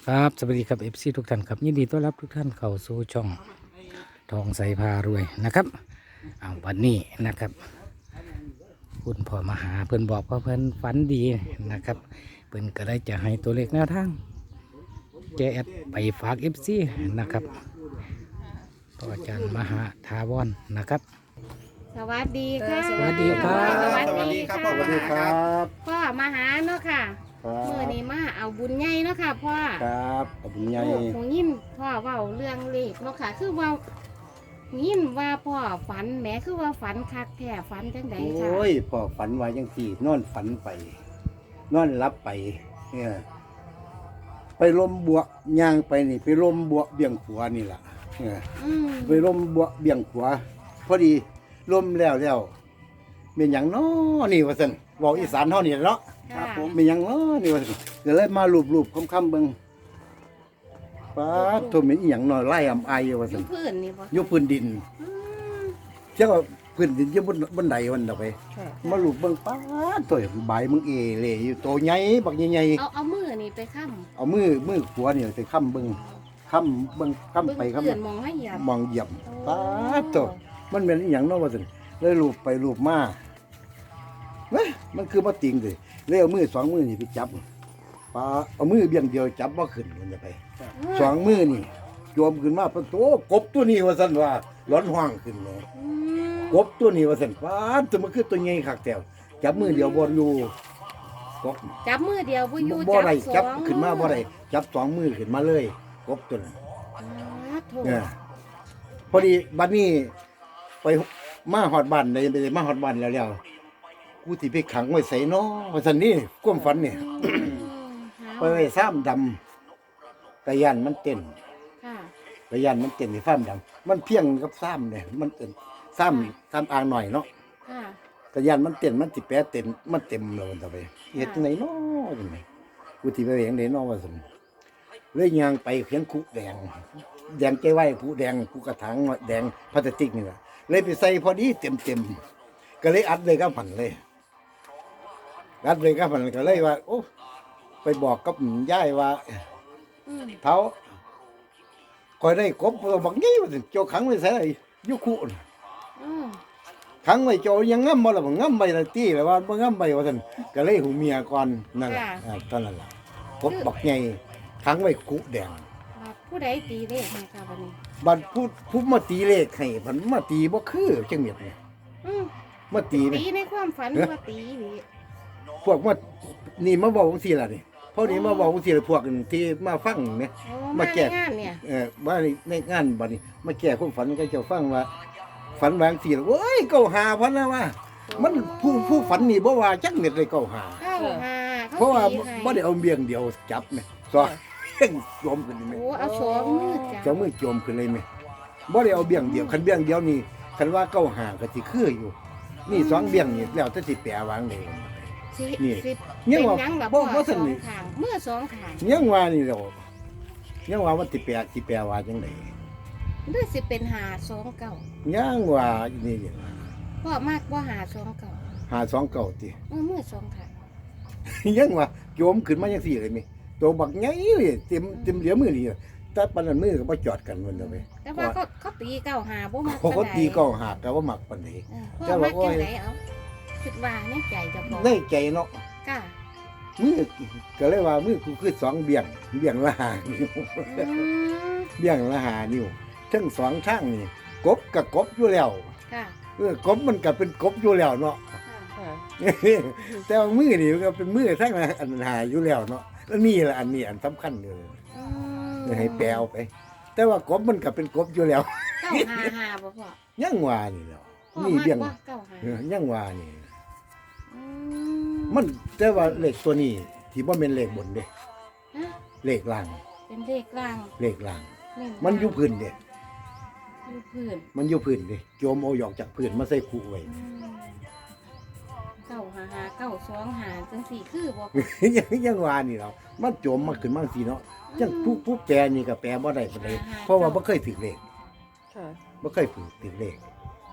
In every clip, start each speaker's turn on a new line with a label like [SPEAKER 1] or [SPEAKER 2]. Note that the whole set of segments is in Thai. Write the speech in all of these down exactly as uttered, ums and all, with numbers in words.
[SPEAKER 1] ครับสวัสดีครับเอฟซีทุกท่านครับยินดีต้อนรับทุกท่านเข้าสู่ช่องทองใสพารวยนะครับเอาวันนี้นะครับคุณพ่อมาหาเพิ่นบอกว่าเพิ่นฝันดีนะครับเพิ่นก็ได้จะให้ตัวเลขแนวทางแจแอดไปฝากเอฟซีนะครับต่ออาจารย์มหาทาวรนะครับ
[SPEAKER 2] สวัสดีค่ะ
[SPEAKER 1] สวัสดีครับ
[SPEAKER 2] สวัส
[SPEAKER 3] สวัส
[SPEAKER 2] ดี
[SPEAKER 3] ดีครับ
[SPEAKER 2] ค่ะ
[SPEAKER 3] พ่อมหาครับ
[SPEAKER 2] พ่อมาหาเนาะค่ะ
[SPEAKER 3] ครับ
[SPEAKER 2] เมื่อนี้มาเอาบุญใหญ่เนาะค่ะพ่อ
[SPEAKER 3] ครับขอบคุณยาย
[SPEAKER 2] โอ้คงยินพ่อเว้าเรื่องเลขเนาะค่ะ คือว่ายินว่าพ่อฝันแหมคือว่าฝันคักแท้ฝันจังไดค่ะ
[SPEAKER 3] โอ้ยพ่อฝันไว้ยังสี่นอนฝันไป นอนรับไปเนี่ยไปลมบวย่างไปนี่ ไปลมบวเบี่ยงขวานี่ล่ะเนี่ย
[SPEAKER 2] อืม
[SPEAKER 3] ไปลมบวเบี่ยงขวาพอดีลมแล้วแล้วเป็นอย่างน้อนี่ว่าซั่นเว้าอีสานเฮานี่เนาะ
[SPEAKER 2] ค่ะ
[SPEAKER 3] เป็นอย่างน้อนี่ว่าซั่นก็เลยมารูปๆค่ำๆเบิ่งป้าดโทมีอีหยังน้อยไล่อำไอายว่า
[SPEAKER 2] อ
[SPEAKER 3] ซั่
[SPEAKER 2] ยู่
[SPEAKER 3] น
[SPEAKER 2] พื้นนี่บ่
[SPEAKER 3] อยู่พื้นดิน
[SPEAKER 2] อืม
[SPEAKER 3] เจ้าก็พื้นดินอยู่บนบนไดวันดอกไป
[SPEAKER 2] ค่ะ
[SPEAKER 3] มาลูกเบิ่งป้าดตัวใบมึงเอเล่อยู่โตใหญ่บักใหญ่
[SPEAKER 2] เอาเอามือนี่ไปค้ำ
[SPEAKER 3] ๆเอามือมือขวานี่ไปค้ำเบิ่งค้ำเบิ่งค้ำ
[SPEAKER 2] เบิ่ง
[SPEAKER 3] ไปค้ำ
[SPEAKER 2] เพื่อนมองให้เหยียบ
[SPEAKER 3] มองเหยียบ
[SPEAKER 2] โอ้
[SPEAKER 3] ป้าดตัวมันเป็นอหย่างเนาะว่าซั่นเลยลูบไปลูบมาเว้ยมันคือบ่ติงเลยเลยเอามือสองมือนี่ไปจับป้าเอามือเบี่ยงเดียวจับบ่ขึ้นมันจะไปสองมือนี่โยมขึ้นมาปะโตกบตัวนี้ว่าซั่นว่าร้อนห้องขึ้นเลย
[SPEAKER 2] อืม
[SPEAKER 3] กบตัวนี้ว่าสันฟ้าตัวมันคือตัวใหญ่คักแถวจับมือเดียวบอลอยู่กบ
[SPEAKER 2] จับมือเดียวบ่อยู่
[SPEAKER 3] บ่ได้
[SPEAKER 2] สอง
[SPEAKER 3] จับขึ้นมาบ่ได้จับสองมือขึ้นมาเลยกบตัวนั้น
[SPEAKER 2] อ่าโถ
[SPEAKER 3] เนี่ยพอดีบัดนี้ไปมาฮอดบ้านเลยไปมาฮอดบ้านแล้วแล้วกูสิไปขังไว้ใส่น้อว่าซั่นนี่ความฝันนี่
[SPEAKER 2] อืม
[SPEAKER 3] ไปไว้ซ้ำดำกะยันมันเต้น
[SPEAKER 2] ค่ะ
[SPEAKER 3] กะยันมันเต้นในซ้ำดำมันเพียงกับซ้ำเนี่ยมันเต้นซ้ำซ้ำอ่างหน่อยเนาะ
[SPEAKER 2] ค่ะ
[SPEAKER 3] กระยานมันเต็มมันสิแปะเต็มมันเต็มแล้วมันต่อไปเฮ็ดจังไดเนาะจังไดกูสิไปเห็นได้เนาะว่าซั่นเลยย่างไปเขียนคุแดงแดงใจไว้ผู้แดงผู้กระถางแดงพลาสติกนี่ล่ะเลยไปใส่พอดีเต็มๆก็เลยอัดเลยกับผันเลยอัดเลยกับผันก็เลยว่าโอ้ไปบอกกับยายว่า
[SPEAKER 2] อืม
[SPEAKER 3] เฒ่าคอยได้กบตัวบักนี้ว่าซั่นเจ้าขังไว้ใส่อยู่คุน่ะ
[SPEAKER 2] อืม
[SPEAKER 3] ขังไว้โจยังง้ำบ่ล่ะบ่ง้ำไว้ละตี้แล้วว่าบ่ง้ำไว้ว่าซั่นก็เลยหูเมียก่อนนั่นล่ะอ่าตอนนั้นล่ะพบบักใหญ่ขังไว้กุแดง
[SPEAKER 2] ว่าผู้ใดตีเลขให้ค่ะวันนี้
[SPEAKER 3] บัดผู้ผู้มาตีเลขให้เพิ่นมาตีบ่คือจังเม็ดนี่
[SPEAKER 2] อืม
[SPEAKER 3] มาตีนี่
[SPEAKER 2] ตีในความฝันว่าตีนี่
[SPEAKER 3] พวกมานี่มาเว้าจังซี่ล่ะนี่พอนี้มาเว้าจังซี่ล่ะพวกที่มาฟังเนี่ย
[SPEAKER 2] โอ้
[SPEAKER 3] มา
[SPEAKER 2] มา
[SPEAKER 3] แก้
[SPEAKER 2] แก้งานเนี่ย
[SPEAKER 3] เออว่าในงานบัดนี้มาแก้ความฝันก็เจ้าฟังว่า ฝันวาจังซี่ล่ะโอ้ยเก้าหาพันนะว่า มันผู้ผู้ฝันนี่บ่ว่าจักเม็ดเลยเก้าหา
[SPEAKER 2] เข้าหา
[SPEAKER 3] เพราะว่า
[SPEAKER 2] ตีให้
[SPEAKER 3] บ่ได้เอาเบียงเดียวจับแม่สองเพ่งโจมขึ้นนี่แม่
[SPEAKER 2] โอ้เอาสองมือจ้ะ
[SPEAKER 3] เจ้ามือโจมขึ้นเลยแม่บ่ได้เอาเบียงเดียวคันเบียงเดียวนี่คันว่าเก้าหาก็สิคืออยู่ นี่สองเบียงนี่แล้วแต่สิแปลวางได้
[SPEAKER 2] สิ
[SPEAKER 3] นี่
[SPEAKER 2] สิ
[SPEAKER 3] ยั
[SPEAKER 2] เป็น
[SPEAKER 3] งว่า
[SPEAKER 2] หยังล่ะ
[SPEAKER 3] บ่
[SPEAKER 2] พ่อ
[SPEAKER 3] บ่
[SPEAKER 2] ส
[SPEAKER 3] ส
[SPEAKER 2] อง
[SPEAKER 3] นิท
[SPEAKER 2] ข้างมือสองข้าง
[SPEAKER 3] ยังว่านี่แล้วยังว่ามันสิแปลสิแปลว่าจังได๋
[SPEAKER 2] หรือสิเป็นหาสองเก่า
[SPEAKER 3] ยังว่านี่นี่
[SPEAKER 2] พ่อมากว่าหาสองเก่า
[SPEAKER 3] หาสองเก้าติ
[SPEAKER 2] เออมือสองข้าง
[SPEAKER 3] ยังว่าโจมขึ้นมาจังซี่เลยแม่ตัวบักใหญ่เลยเต็มเต็มเหลียวมือนี่แต่ปานนั้นมือก็บ่จอดกันมันเด้อแม่
[SPEAKER 2] แต่ว่าเขาเขาตีเก้าหาบ่มัก
[SPEAKER 3] เขาก็ตีเก้าหาก็บ่มักปานใด
[SPEAKER 2] เออพ่
[SPEAKER 3] แต่
[SPEAKER 2] อ
[SPEAKER 3] ว่า
[SPEAKER 2] มัก
[SPEAKER 3] โอ้ย
[SPEAKER 2] จังไดเอาคิดว่าในใจเจะบอก
[SPEAKER 3] ในใจเนาะ
[SPEAKER 2] ก้า
[SPEAKER 3] มือก็เลยว่ามือกูคือสองเบี่ยงเบี่ยงละหานิ้ว
[SPEAKER 2] อืม
[SPEAKER 3] เบี่ยงละหานิ้วทั้งสองข้างนี่กบกับกบอยู่แล้ว
[SPEAKER 2] ค่ะ
[SPEAKER 3] เออกบมันก็เป็นกบอยู่แล้วเนาะ
[SPEAKER 2] ค่ะ
[SPEAKER 3] แต่ว่ามือนี่มันก็เป็นมือทั้งอันหาอยู่แล้วเนาะแล้วนี่แหละอันนี้อันสำคัญเลย
[SPEAKER 2] อืม
[SPEAKER 3] ให้แปลเอาไป แต่ว่ากบมันก็เป็นกบอยู่แล้ว
[SPEAKER 2] เก้าหาหาบ่พ่อ
[SPEAKER 3] ยังว่านี่แหล้ว
[SPEAKER 2] พ่อ
[SPEAKER 3] นี่
[SPEAKER 2] มาก
[SPEAKER 3] เบี่ยง
[SPEAKER 2] ว่าเก้าหา
[SPEAKER 3] เออยังว่านี่
[SPEAKER 2] อื
[SPEAKER 3] มันแต่ว่าเลขตัวนี้ที่บ่แม่นเลขบนเด้
[SPEAKER 2] ฮะ
[SPEAKER 3] เลขล่าง
[SPEAKER 2] เป็นเลขล่าง
[SPEAKER 3] เลขล่าง
[SPEAKER 2] เลข
[SPEAKER 3] มันอยู่พื้นเด้
[SPEAKER 2] อยู่พื้น
[SPEAKER 3] มันอยู่พื้นเด้โจมเอาหยอกจากพื้นมาใส่คู่ไว้
[SPEAKER 2] อืมเก้าหาหาเก้าสองหาจังสี่คือบ่
[SPEAKER 3] ยังยังว่านี่เนาะมันโจมมาขึ้นมาสิเนาะจังผู้ผู้แปลนี่ก็แปลบ่ได้ปานใดเพราะว่าบ่เคยถึกเลข
[SPEAKER 4] ค่ะ
[SPEAKER 3] บ่เคยฝึกถึกเลข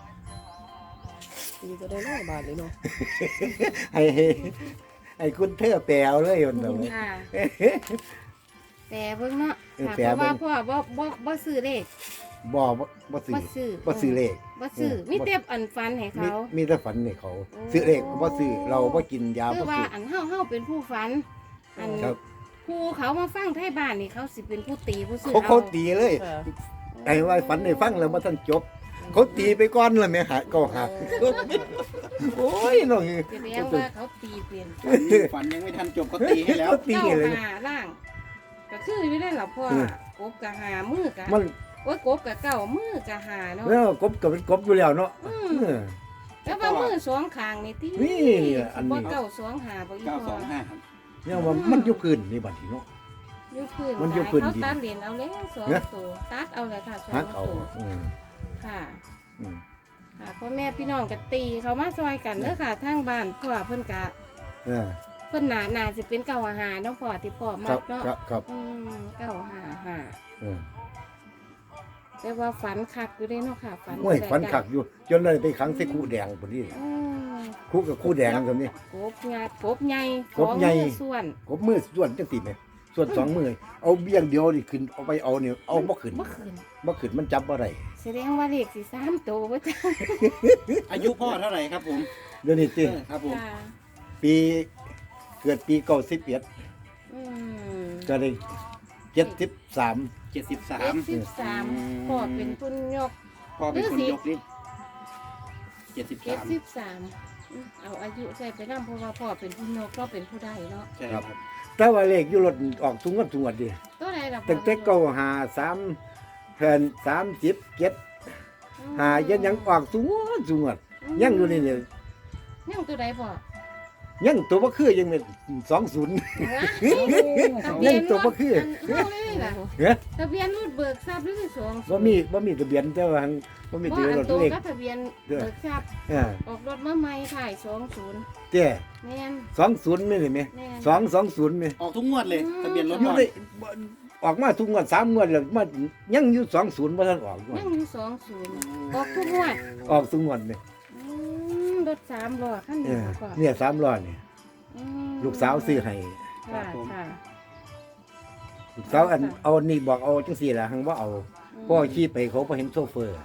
[SPEAKER 4] ตีก็ได้ร้อยบาทเลยเนาะ
[SPEAKER 3] ให้ให้ให้คุณเธอแปลเอาเลยมันเนาะ
[SPEAKER 2] ค่ะแต่เบิ่งเนาะ
[SPEAKER 3] เออ
[SPEAKER 2] ค่ะ
[SPEAKER 3] แปล
[SPEAKER 2] เพราะว่า
[SPEAKER 3] เบิ่ง
[SPEAKER 2] พ่อบ่บ่บ่ซื้อเลข
[SPEAKER 3] บ่บ่บ่ซื้อ
[SPEAKER 2] บ่ซื้อ
[SPEAKER 3] บ่ซื้อเลข
[SPEAKER 2] บ่ซื้อ
[SPEAKER 3] เออ
[SPEAKER 2] มีแต่อันฟันให้
[SPEAKER 3] มี
[SPEAKER 2] เขา
[SPEAKER 3] มีแต่ฝันให้เขาซื้อเลขก็บ่ซื้อเราบ่กินยา
[SPEAKER 2] คื
[SPEAKER 3] บ่
[SPEAKER 2] อว่า
[SPEAKER 3] ซื้อ
[SPEAKER 2] อันเฮาเฮาเป็นผู้ฝัน อัน
[SPEAKER 3] ครับ
[SPEAKER 2] ผู้เขามาฟังไทยบ้านนี่เขาสิเป็นผู้ตีผู้ซื้อ
[SPEAKER 3] เขาเขา
[SPEAKER 2] เอา
[SPEAKER 3] ตีเลย
[SPEAKER 4] ค่ะ
[SPEAKER 3] ไอ้ว่าฝันให้ฟังแล้วบ่ทันจบ เขาตีไปก่อนแล้วแม่หาก็หาโอ้ยน้อง
[SPEAKER 2] แสดงว่าเขาตีเป็น
[SPEAKER 5] ฝันยังไม่ทันจบก็ตีให้แล้ว
[SPEAKER 3] เขาตี
[SPEAKER 2] เก้า
[SPEAKER 3] เลย
[SPEAKER 2] หาล่าง ก็คืออยู่ได้ล่ะพ่อ
[SPEAKER 3] เออ
[SPEAKER 2] กบกะหามือกะ
[SPEAKER 3] มัน
[SPEAKER 2] โอ้ยกบกะเก้ามือกะหาเนาะ
[SPEAKER 3] แล้วกบก็เป็นกบอยู่แล้วเนาะ
[SPEAKER 2] อืม
[SPEAKER 3] เออ
[SPEAKER 2] แล้วว่ามือสองข้างนี่ติ
[SPEAKER 3] นี่อันนี้
[SPEAKER 2] บ่เก้าสองหาบ่อี
[SPEAKER 5] เก้า
[SPEAKER 2] พ่
[SPEAKER 5] ส
[SPEAKER 2] อ
[SPEAKER 5] องห้าครับ
[SPEAKER 3] เนี่ยว่ามันอยู่พื้นนี่บัดนี้เนาะ
[SPEAKER 2] อยู่พื้น
[SPEAKER 3] มันอยู่พื้น
[SPEAKER 2] เขา
[SPEAKER 3] ดิน
[SPEAKER 2] ตัดเหรียญเอาแล้วสอง
[SPEAKER 3] เนี่ย
[SPEAKER 2] ตัวตัดเอาเลยค่ะสอ
[SPEAKER 3] หั
[SPEAKER 2] ง
[SPEAKER 3] กเอา
[SPEAKER 2] ตัว
[SPEAKER 3] อืม
[SPEAKER 2] ค่ะ
[SPEAKER 3] อืม
[SPEAKER 2] ค่ะพ่อแม่พี่น้องก็ตีเขามาซอยกันเด้อค่ะทางบ้านพ่อเพิ่นกะ
[SPEAKER 3] เออ
[SPEAKER 2] เพิ่นหนาหนาสิเป็นเก้าหาเนาะพ่อที่พ่อ
[SPEAKER 3] ค
[SPEAKER 2] มั
[SPEAKER 3] รั
[SPEAKER 2] ก
[SPEAKER 3] บ
[SPEAKER 2] เนาะ
[SPEAKER 3] ครับครับ
[SPEAKER 2] อืมเก้าหาหา
[SPEAKER 3] เออ
[SPEAKER 2] แต่ว่าฝันคักอยู่เด้เนาะค่ะฝัน
[SPEAKER 3] โอ้ย
[SPEAKER 2] แต่
[SPEAKER 3] ฝันคักอยู่ จนเลยไปขังใส่คู่แดงพุ่นนี่
[SPEAKER 2] อืม
[SPEAKER 3] คู่กับคู่แดงตรงนี้
[SPEAKER 2] กบงาดกบใหญ่
[SPEAKER 3] กบใหญ่
[SPEAKER 2] สองมือส่วน
[SPEAKER 3] กบมือส่วนจังซี่แหมส่วนสองมือเอาเบี้ยงเดียวนี่ขึ้นเอาไปเอานี่เอาบ่ขึ้น
[SPEAKER 2] บ่ขึ้น
[SPEAKER 3] บ่ขึ้นมันจับบ่ได้
[SPEAKER 2] แสดงว่าเลขสิสามตัวว่าจ้า
[SPEAKER 5] อายุพ่อเท่าไหร่ครับผม
[SPEAKER 3] เดี๋ยวนี้ติ
[SPEAKER 5] เออครับผม
[SPEAKER 2] ค่ะ
[SPEAKER 3] ปีเกิดปีเก้าสิบเอ็ด
[SPEAKER 2] อืม
[SPEAKER 3] ก็ได้เจ็ดสิบสาม
[SPEAKER 5] เจ็ดสิบสา
[SPEAKER 2] เจ็
[SPEAKER 5] ม
[SPEAKER 2] ดสิบสามพ่อเป็นคุณยก
[SPEAKER 5] พ่อเป็นคนยกนี่เจ็ดสิบ
[SPEAKER 2] เจ็ด
[SPEAKER 5] สาม
[SPEAKER 2] สิบสามเอาอายุใส่ไปนั่เพราะว่าพ่อเป็นผู้นกก็เป็นผู้ใดเนาะ
[SPEAKER 5] ใช่ครับ
[SPEAKER 3] แต่ว่าเลขอยู่รถออกทุงกันทุงวันดิ
[SPEAKER 2] ตัวใดล่ะพ่อ
[SPEAKER 3] ตั้งแต่เก้าหาสามแผ่นสามสิบเจ็ดหายันยังออกทุงวันทุงวันยังอยู่นี่เนี่ย
[SPEAKER 2] ยังตัวใดพ่อ
[SPEAKER 3] ยังตัวบ่คือยังเป็นสองศูนย์
[SPEAKER 2] ทะเบี
[SPEAKER 3] ยั
[SPEAKER 2] ย
[SPEAKER 3] ง
[SPEAKER 2] น
[SPEAKER 3] ตัวบ่คือ
[SPEAKER 2] อันเท่าเลยล่ะ
[SPEAKER 3] เฮ้ย
[SPEAKER 2] ทะเบียนรถเบิกทรัพย์หรือสอง
[SPEAKER 3] บ่มีบ่มีทะเบียนแต่ว่าหั้นบ่มี
[SPEAKER 2] บ่
[SPEAKER 3] ทะเบียน
[SPEAKER 2] อัน
[SPEAKER 3] รถ
[SPEAKER 2] ตัว
[SPEAKER 3] เลข
[SPEAKER 2] ก็ทะเบียนเบิกทรัพย์
[SPEAKER 3] อ่า
[SPEAKER 2] ออกรถมาใหม่ถ่ายสองศูนย์
[SPEAKER 3] เจ้
[SPEAKER 2] แม่น
[SPEAKER 3] สองศูนย์ไม่ได้ไหม
[SPEAKER 2] แม่น
[SPEAKER 3] สองสองศูนย์ไหม
[SPEAKER 5] ออกทุกงวดเลยทะเบียนรถ
[SPEAKER 3] อยู่
[SPEAKER 5] พ่อ
[SPEAKER 3] ได้บ่ออกมาทุกงวดสามงวดแล้วมายังอยู่สองศูนย์บ่ทันออกงวด
[SPEAKER 2] ยังอยู่สองศูนย์ออกทุกงวด
[SPEAKER 3] ออกทุกงวดนี่
[SPEAKER 2] อืมรถสามล้อคัน
[SPEAKER 3] เอ
[SPEAKER 2] นี้
[SPEAKER 3] อ
[SPEAKER 2] พ่อ
[SPEAKER 3] เนี่ยสามล้อนี่
[SPEAKER 2] อืม
[SPEAKER 3] ลูกสาวซื้อให้
[SPEAKER 2] ค่ะค่ะ
[SPEAKER 3] ลูกสาวอันเอานี่บอกเอาจังซี่ล่ะหังบ่เอาพ่อขี่ไปเขาบ่เห็นโซเฟอร์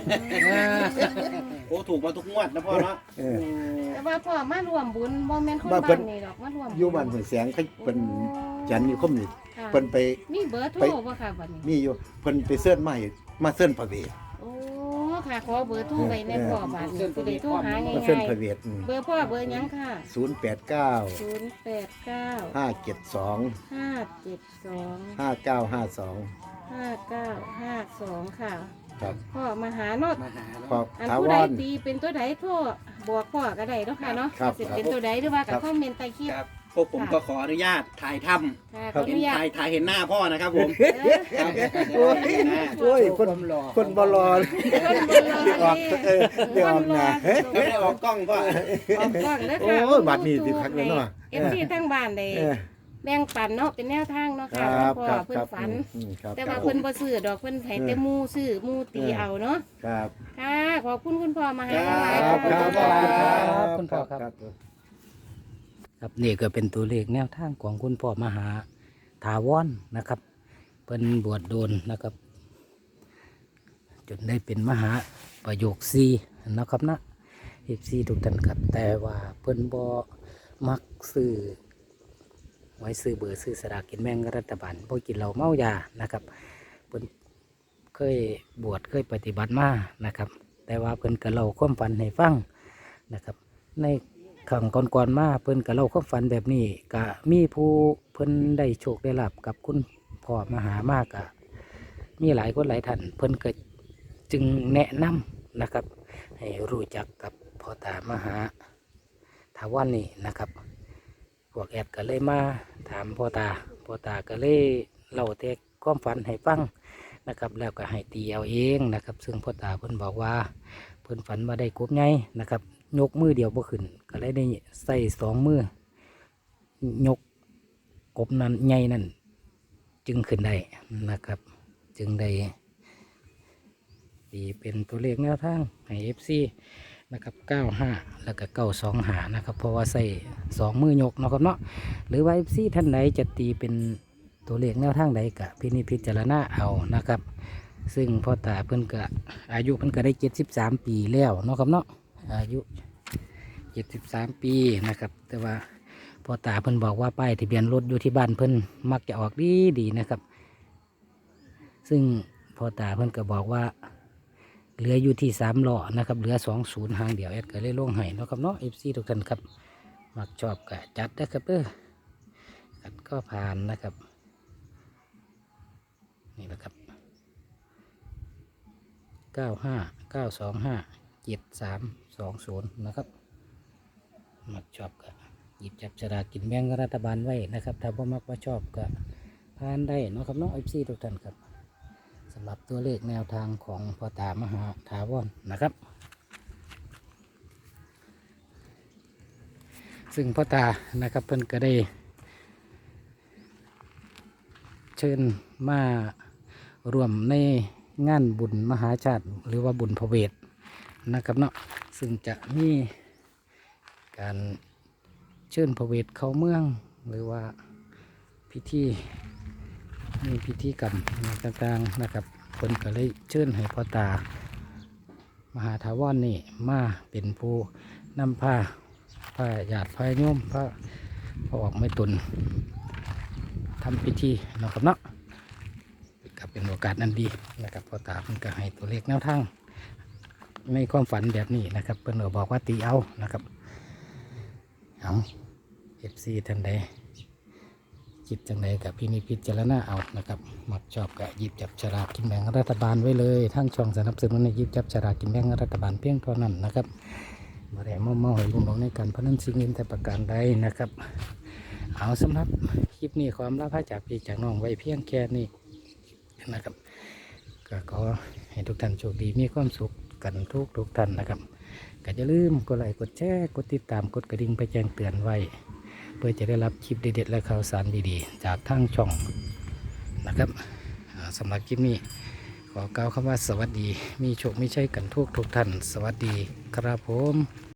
[SPEAKER 5] โอ้ถูกมาทุกงวดนะพ่อเนาะ
[SPEAKER 3] เออ
[SPEAKER 2] แต่ว่าพ่อมารวมบุญบ่แม่นคน
[SPEAKER 3] บ้านเพิ่
[SPEAKER 2] บ้าน นนี่ดอกมารวมญ
[SPEAKER 3] อยู่บ้านห้วยแสงเขาเป็นจันนี่คมนี่
[SPEAKER 2] ค่ะ
[SPEAKER 3] เพิ่นไป
[SPEAKER 2] มีเบอร์โทร
[SPEAKER 3] ไป
[SPEAKER 2] บ่ค่ะบัดนี้
[SPEAKER 3] มีอยู่เพิ่นไปเสิร์ชมาให้มาเสิร์ชพระเวท
[SPEAKER 2] โอ้ค่ะขอเบอร์โทรไว้ในพ่อบัดนี้สิได้โทรหาง่า
[SPEAKER 3] มาเสิร์ช
[SPEAKER 2] ย
[SPEAKER 3] พระเวท
[SPEAKER 2] ๆเบอร์พ่อเบอร์หยังค่ะ
[SPEAKER 3] ศูนย์แปดเก้า
[SPEAKER 2] ศูนย์แปดเก้า
[SPEAKER 3] ห้าเจ็ดสอง
[SPEAKER 2] ห้าเจ็ดสอง
[SPEAKER 3] ห้าเก้าห้าสอง
[SPEAKER 2] ห้าเก้าห้าสองค่ะ
[SPEAKER 3] ครับ
[SPEAKER 2] พ่อมาหาเนาะ
[SPEAKER 5] มาหา
[SPEAKER 3] ขอบ
[SPEAKER 2] อัน
[SPEAKER 3] ถา
[SPEAKER 2] ผู้
[SPEAKER 3] ว
[SPEAKER 2] ใด
[SPEAKER 3] ร
[SPEAKER 2] ตีเป็นตัวใดโทรบอกพ่อก็ได้เนาะค่ะเนาะ
[SPEAKER 3] ครับ
[SPEAKER 2] สิเป็นตัวใดหรือว่ากับคอมเมนต์ใต้คลิป
[SPEAKER 5] ครับพวกผมก็ขออนุญาตถ่ายท
[SPEAKER 2] ค่ะ
[SPEAKER 5] ำ
[SPEAKER 2] ขออ
[SPEAKER 5] เห็น
[SPEAKER 2] นุญาต
[SPEAKER 5] ถ่ายถ่ายเห็นหน้าพ่อนะครับผม
[SPEAKER 2] เออ
[SPEAKER 5] ครับ
[SPEAKER 3] โอ้ย
[SPEAKER 5] เห็นหน้า
[SPEAKER 3] โอ้ยคนคนบ่รอ
[SPEAKER 2] คนบนรอ
[SPEAKER 3] ออกเออเดี๋ยวออกหน้า
[SPEAKER 5] ไม่ได้ออกกล้องพ่อ
[SPEAKER 2] ออกกล้องแล้ว
[SPEAKER 3] โอ้
[SPEAKER 2] ค่ะ
[SPEAKER 3] ยบัดนี้สิคักแล้วเนาะ
[SPEAKER 2] เอฟซีทั้งบ้านเลย
[SPEAKER 3] เออ
[SPEAKER 2] แบ่งปันเนาะเป็นแนวทางเนาะ
[SPEAKER 3] ค
[SPEAKER 2] ค่ะ
[SPEAKER 3] รับ
[SPEAKER 2] พ่อ
[SPEAKER 3] ครับ
[SPEAKER 2] เพิ่
[SPEAKER 3] คน รับ
[SPEAKER 2] ฝัน
[SPEAKER 3] อืมครับ
[SPEAKER 2] แต่
[SPEAKER 3] ครั
[SPEAKER 2] ว่า
[SPEAKER 3] บ
[SPEAKER 2] เพิ่นบ่ซื้อดอกเพิ่นให้แต่หมู่ซื้อหมู่ตีเอาเนาะ
[SPEAKER 3] ครับ
[SPEAKER 2] ค่ะขอบคุณคุณพ่อมาให้
[SPEAKER 5] ครับ
[SPEAKER 2] หลาย
[SPEAKER 3] ค
[SPEAKER 2] ๆ
[SPEAKER 3] รับ
[SPEAKER 2] ขอบ
[SPEAKER 3] ค
[SPEAKER 2] คุ
[SPEAKER 3] รับ
[SPEAKER 2] ณ
[SPEAKER 3] ค
[SPEAKER 2] พ่อ
[SPEAKER 3] รับ
[SPEAKER 1] คุณพ่อครับ
[SPEAKER 3] ครับ
[SPEAKER 1] ครับนี่ก็เป็นตัวเลขแนวทางของคุณพ่อมหาถาวรนะครับเป็นบวชโดนนะครับ จนได้เป็นมหาประโยคซีนะครับนะเอฟซีทุกท่านครับแต่ว่าเพิ่นบ่มักซื้อไว้ซื้อเบอร์ซื้อสลากกินแบ่งรัฐบาลบ่กินเหล้าเมายานะครับเพิ่นเคยบวชเคยปฏิบัติมานะครับ แต่ว่าเพิ่นก็เล่าความฝันให้ฟังนะครับ ในขังก่อนๆมาเพิ่นก็เล่าความฝันแบบนี้ก็มีผู้เพิ่นได้โชคได้ลาบกับคุณพ่อมหามากะมีหลายคนหลายท่านเพิ่นก็จึงแนะนำนะครับ ให้รู้จักกับพ่อตามหาถาวรนี่นะครับพวกแอดก็เลยมาถามพ่อตาพ่อตาก็เลยเล่าแต่ความฝันให้ฟังนะครับ แล้วก็ให้ตีเอาเองนะครับ ซึ่งพ่อตาเพิ่นบอกว่าเพิ่นฝันมาได้กบไงนะครับ ยกมือเดียวบ่ขึ้นก็เลยได้ใส่สองมือยกกบนั้นใหญ่นั่นจึงขึ้นได้นะครับ จึงได้ตีเป็นตัวเลขแนวทางให้ เอฟ ซี นะครับเก้าห้าแล้วก็เก้าสองหานะครับ เพราะว่าใส่สองมือยกเนาะครับเนาะหรือว่า เอฟ ซี ท่านไหนจะตีเป็นตัวเลขแนวทางใดกะพินิจพิจารณาเอานะครับ ซึ่งพ่อตาเพิ่นก็อายุเพิ่นก็ได้เจ็ดสิบสามปีแล้วเนาะครับเนาะอายุเจ็ดสิบสามปีนะครับ แต่ว่าพ่อตาเพิ่นบอกว่าป้ายทะเบียนรถอยู่ที่บ้านเพิ่นมักจะออกดีดีนะครับ ซึ่งพ่อตาเพิ่นก็บอกว่าเหลืออยู่ที่สามล้อนะครับเหลือสองศูนย์หางเดียวแอดก็เลยลงให้เนาะครับเนาะเอฟซีทุกท่านครับมักชอบก็จัดนะครับเด้อกัดก็ผ่านนะครับนี่แหละครับเก้าห้าเก้าสองห้าเจ็ดสามสองศูนย์นะครับมักชอบก็หยิบจับฉลากกินแบ่งรัฐบาลไว้นะครับถ้าบ่มักว่าชอบก็ผ่านได้เนาะครับเนาะเอฟซีทุกท่านครับสำหรับตัวเลขแนวทางของพ่อตามหาถาวรนะครับซึ่งพ่อตานะครับเพิ่นก็ได้เชิญมารวมในงานบุญมหาชาติหรือว่าบุญพระเวทนะครับเนาะซึ่งจะมีการเชิญพระเวทเข้าเมืองหรือว่าพิธีมีพิธีกรรมต่างๆนะครับเพิ่นก็เลยเชิญให้พ่อตามหาถาวรนี่มาเป็นผู้นำผ้าผ้าหยาดผ้าโยมผ้าพอออกไม่ตุนทำพิธีนะครับเนาะก็เป็นโอกาสอันดีนะครับพ่อตาเพิ่นก็ให้ตัวเลขแนวทางในความฝันแบบนี้นะครับเพิ่นก็บอกว่าตีเอานะครับเอาเอฟซีท่านใดคิดจังใดกับพี่นิพิจารณาเอานะครับมักชอบกับหยิบจับฉลากกินแบ่งรัฐบาลไว้เลยทั้งช่องสนับสนุนในหยิบจับฉลากกินแบ่งรัฐบาลเพียงเท่านั้นนะครับบ่ได้มาเมาให้ลุงหลงในการพนันสิ่งอื่นแต่ประการใดนะครับเอาสำหรับคลิปนี้ความลาภจากพี่จากน้องไว้เพียงแค่นี้นะครับก็ขอให้ทุกท่านโชคดีมีความสุขกันทุกทุกท่านนะครับก็อย่าลืมกดไลค์กดแชร์กดติดตามกดกระดิ่งไปแจ้งเตือนไว้เพื่อจะได้รับคลิปเด็ดๆและข่าวสารดีๆจากทางช่องนะครับสำหรับคลิปนี้ขอกล่าวคำว่าสวัสดีมีโชคไม่ใช่กันทุกทุกท่านสวัสดีครับผม